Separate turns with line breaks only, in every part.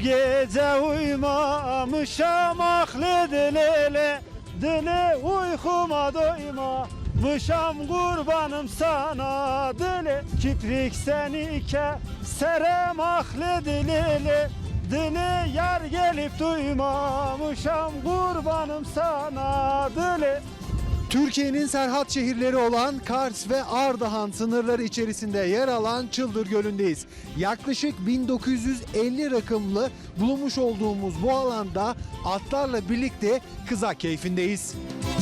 gece uyumamışam aklı dili, dili uykuma doymamışam kurbanım sana dili. Kiprik seni keserem aklı dili, dili yar gelip duymamışam kurbanım sana dili.
Türkiye'nin Serhat şehirleri olan Kars ve Ardahan sınırları içerisinde yer alan Çıldır Gölü'ndeyiz. Yaklaşık 1950 rakımlı bulunmuş olduğumuz bu alanda atlarla birlikte kızak keyfindeyiz.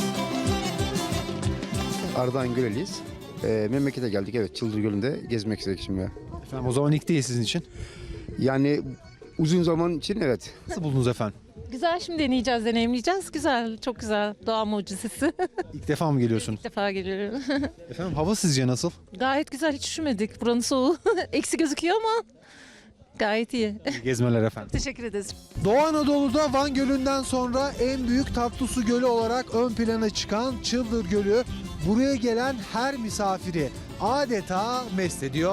Ardahan Göleliyiz. Memlekete geldik, evet, Çıldır Gölü'nde gezmek istedik şimdi.
Efendim o zaman ilk değil sizin için.
Yani uzun zaman için evet.
Nasıl buldunuz efendim?
Güzel, şimdi deneyeceğiz, deneyimleyeceğiz. Güzel, çok güzel. Doğa mucizesi.
İlk defa mı geliyorsunuz?
İlk defa geliyorum.
Efendim hava sizce nasıl?
Gayet güzel, hiç üşümedik. Buranın soğuğu eksi gözüküyor ama gayet iyi.
İyi gezmeler efendim.
Teşekkür ederiz.
Doğu Anadolu'da Van Gölü'nden sonra en büyük tatlı su gölü olarak ön plana çıkan Çıldır Gölü buraya gelen her misafiri adeta mest ediyor.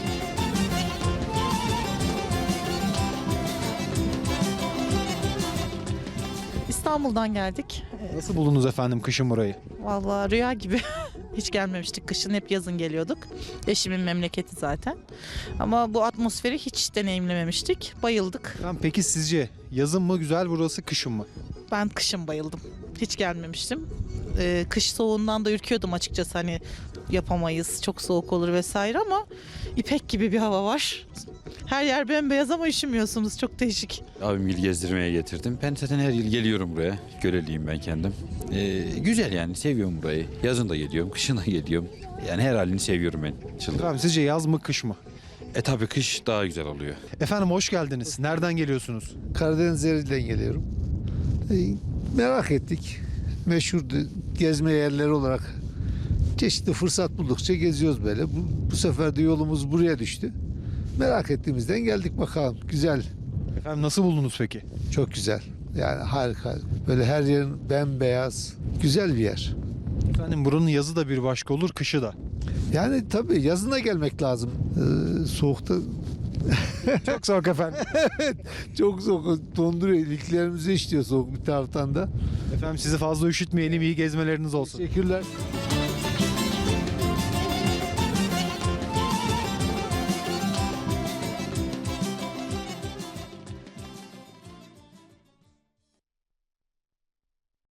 İstanbul'dan geldik.
Nasıl buldunuz efendim kışın burayı?
Vallahi rüya gibi. Hiç gelmemiştik. Kışın hep yazın geliyorduk. Eşimin memleketi zaten. Ama bu atmosferi hiç deneyimlememiştik. Bayıldık.
Efendim peki sizce yazın mı güzel burası kışın mı?
Ben kışın bayıldım. Hiç gelmemiştim. Kış soğuğundan da ürküyordum açıkçası. Hani yapamayız, çok soğuk olur vesaire ama ipek gibi bir hava var. Her yer bembeyaz ama üşümüyorsunuz. Çok değişik.
Abim il gezdirmeye getirdim. Ben zaten her yıl geliyorum buraya. Göleliyim ben kendim. Güzel yani, seviyorum burayı. Yazın da geliyorum, kışın da geliyorum. Yani her halini seviyorum ben Çıldır.
Efendim sizce yaz mı kış mı?
Tabii kış daha güzel oluyor.
Efendim hoş geldiniz. Nereden geliyorsunuz?
Karadeniz yerinden geliyorum. Merak ettik. Meşhur gezme yerleri olarak çeşitli fırsat buldukça geziyoruz böyle. Bu sefer de yolumuz buraya düştü. Merak ettiğimizden geldik bakalım. Güzel,
Efendim nasıl buldunuz peki?
çok güzel. Yani harika. Böyle her yerin bembeyaz. Güzel bir yer.
Efendim buranın yazı da bir başka olur, kışı da.
Yani tabii yazına gelmek lazım. Soğukta
Çok soğuk efendim.
çok soğuk. Donduruyor. İliklerimizi işliyor soğuk bir taraftan da.
Efendim sizi fazla üşütmeyelim, iyi gezmeleriniz olsun.
Teşekkürler.